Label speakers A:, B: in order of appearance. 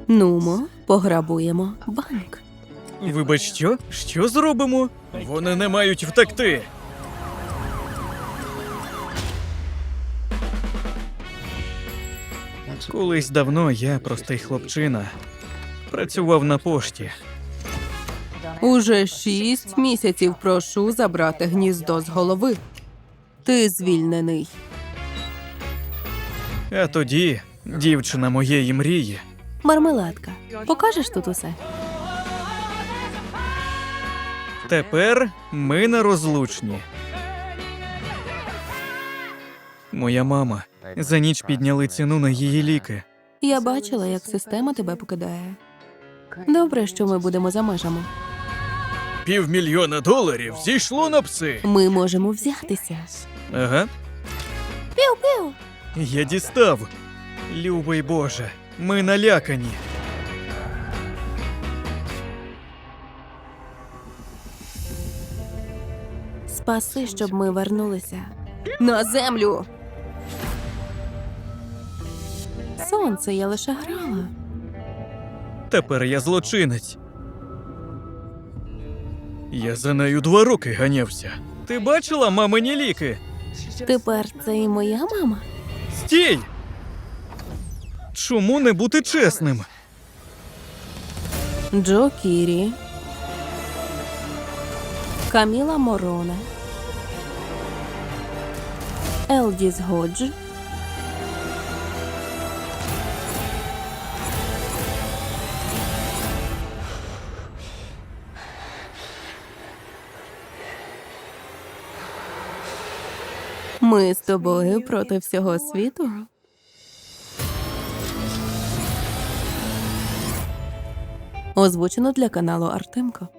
A: Нумо, пограбуємо банк.
B: Вибач, що? Що зробимо? Вони не мають втекти. Колись давно я, простий хлопчина, працював на пошті.
A: Уже 6 місяців прошу забрати гніздо з голови. Ти звільнений.
B: А тоді дівчина моєї мрії.
A: Мармеладка, покажеш тут усе?
B: Тепер ми нерозлучні. Моя мама. За ніч підняли ціну на її ліки.
A: Я бачила, як система тебе покидає. Добре, що ми будемо за межами.
B: $500,000 зійшло на пси.
A: Ми можемо взятися.
B: Ага.
A: Піу-піу!
B: Я дістав. Любий Боже, ми налякані.
A: Спаси, щоб ми вернулися. На землю! Сонце, я лише грала.
B: Тепер я злочинець. Я за нею 2 роки ганявся. Ти бачила мамині ліки?
A: Тепер це і моя мама?
B: Стій! Чому не бути чесним?
A: Джо Кірі, Каміла Мороне, Елдіс Годж, ми з тобою проти всього світу? Озвучено для каналу Артемко.